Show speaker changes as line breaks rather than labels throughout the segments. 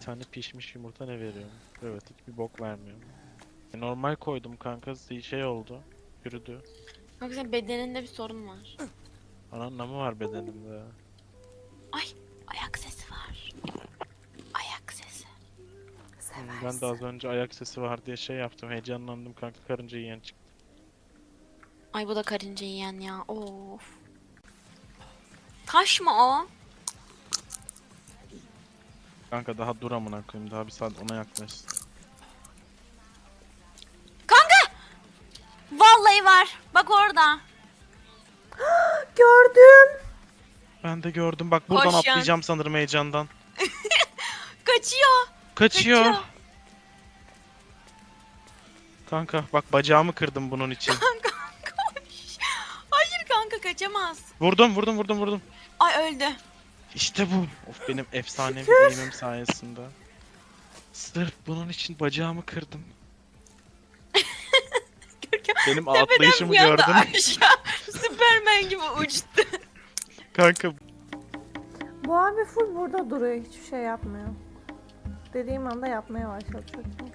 tane pişmiş yumurta ne veriyor? Evet, hiçbir bok vermiyor. Normal koydum kanka, şey oldu. Yürüdü.
Kanka senin bedeninde bir sorun var.
Ananla mı var bedenimde?
Ay, ayak sesi var. Ayak sesi.
Ben de az önce ayak sesi var diye şey yaptım. Heyecanlandım kanka, karınca yiyen çıktı.
Ay bu da karınca yiyen ya. Of. Taş mı o?
Kanka daha dur amına koyayım. Daha bir saat ona yaklaş.
Vallahi var. Bak orada.
Gördüm.
Ben de gördüm. Bak buradan
Koş ya.
atlayacağım sanırım heyecandan.
Kaçıyor.
Kaçıyor.
Kaçıyor.
Kanka bak, bacağımı kırdım bunun için.
Kanka koş. Hayır kanka kaçamaz.
Vurdum.
Ay öldü.
İşte bu. Of, benim efsanevi eğimim sayesinde. Sırf bunun için bacağımı kırdım.
Görkem
Benim
tepeden
atlayışımı
bir anda
gördün.
aşağı Süpermen gibi uçtu.
Kanka
Bu abi full burada duruyor. Hiçbir şey yapmıyor. Dediğim anda yapmaya başladı çünkü.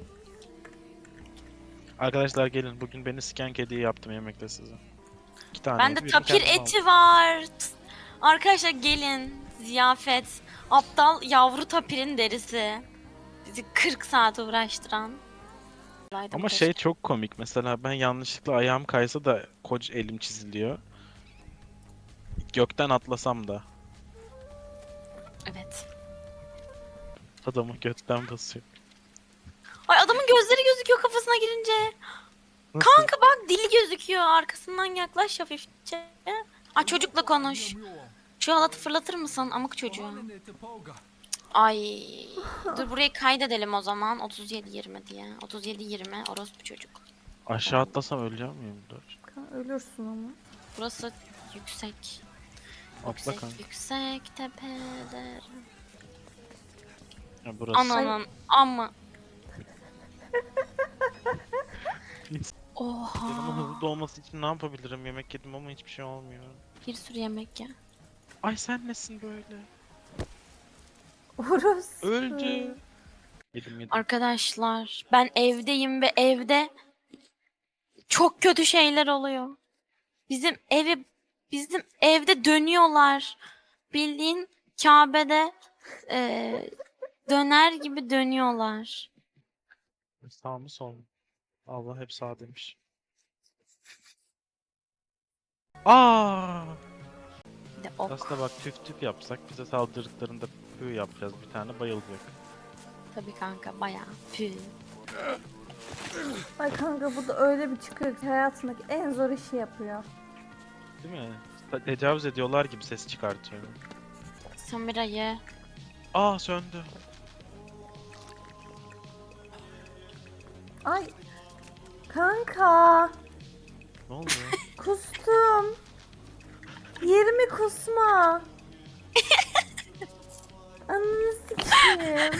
arkadaşlar gelin, bugün beni siken kediyi yaptım yemekte size. 2 tane.
Bende tapir eti var. Arkadaşlar gelin. Ziyafet. Aptal yavru tapirin derisi. Bizi 40 saat uğraştıran.
Ama şey çok komik, mesela ben yanlışlıkla ayağım kaysa da koca elim çiziliyor. Gökten atlasam da
Evet.
adamı götten basıyor.
Ay adamın gözleri gözüküyor kafasına girince.
Nasıl?
Kanka bak dili gözüküyor. Arkasından yaklaş hafifçe. Ay çocukla konuş. Şu halatı fırlatır mısın amık çocuğu? Ay. Dur burayı kaydedelim o zaman. 37-20 diye. 37-20 orospu çocuk.
Aşağı atlasam öleceğim miyim? Dur.
Ölürsün ama.
Burası yüksek.
Atla
Yüksek
kanka.
yüksek tepeler.
Ya burası.
Ananın ama. Oha.
Canımın hızlı dolması için ne yapabilirim? Yemek yedim ama hiçbir şey olmuyor.
Bir sürü yemek ya.
Ay sen nesin böyle?
Orası.
Öldü. Yedim.
Arkadaşlar ben evdeyim ve evde çok kötü şeyler oluyor. Bizim evde dönüyorlar. Bildiğin Kabe'de döner gibi dönüyorlar.
Sağ mı sol mu? Allah hep sağ demiş. Aa!
Bir de ok.
Aslında bak, tüf yapsak bize saldırdıklarında pü yapacağız, bir tane bayılacak.
Tabii kanka bayağı. Pü.
Ay kanka bu da öyle bir çıkıyor ki hayatındaki en zor işi yapıyor.
Değil mi? Tecavüz ediyorlar gibi ses çıkartıyor.
Samira'yı.
Aa, söndü.
Ay. Kanka.
Ne oldu?
Kustum. Yerimi kusma. Ananı sikeyim.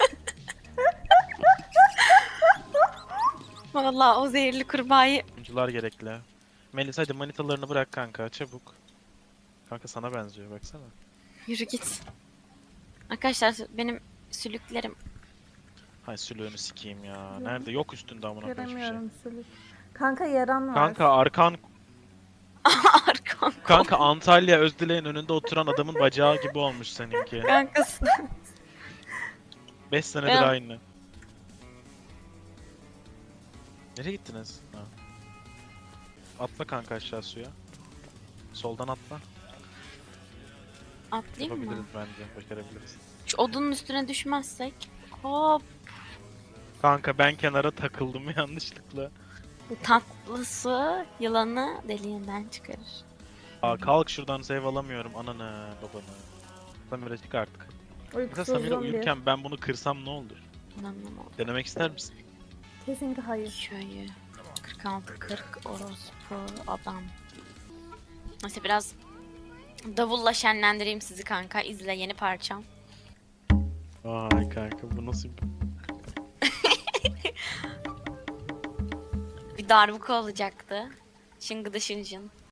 Vallahi o zehirli kurbağayı.
Oyuncular gerekli. Melis hadi manitalarını bırak kanka, çabuk. Kanka sana benziyor, baksana.
Yürü git. Arkadaşlar benim sülüklerim.
Hay sülüğünü sikeyim ya. Nerede? Yok üstünde amına koyayım hiçbir şey.
Göremiyorum sülük. Kanka yaran var.
Kanka arkan.
Arkam.
Kanka Antalya Özdilek'in önünde oturan adamın bacağı gibi olmuş seninki.
Kankası.
5 senedir
Ben-
aynı. Nereye gittiniz? Ha. Atla kanka aşağı suya. Soldan atla.
Atlayayım mı?
Yapabiliriz bence. Başarabiliriz.
Şu odunun üstüne düşmezsek. Hop.
Kanka ben kenara takıldım yanlışlıkla.
Tatlı su yılanı deliğinden çıkarır.
Aa, kalk şuradan, save alamıyorum ananı babanı. Samira çık artık. Mesela Samira
Uykusuzluğum bir.
uyurken ben bunu kırsam ne olur?
İnanılmaz.
Denemek ister misin?
Kesinlikle hayır.
Köyü. 46-40 orospu adam. Neyse biraz davulla şenlendireyim sizi kanka. İzle yeni parçam.
Vay kanka, bu nasıl bir...
Bir darbuka olacaktı. Şıngıdı şıncın.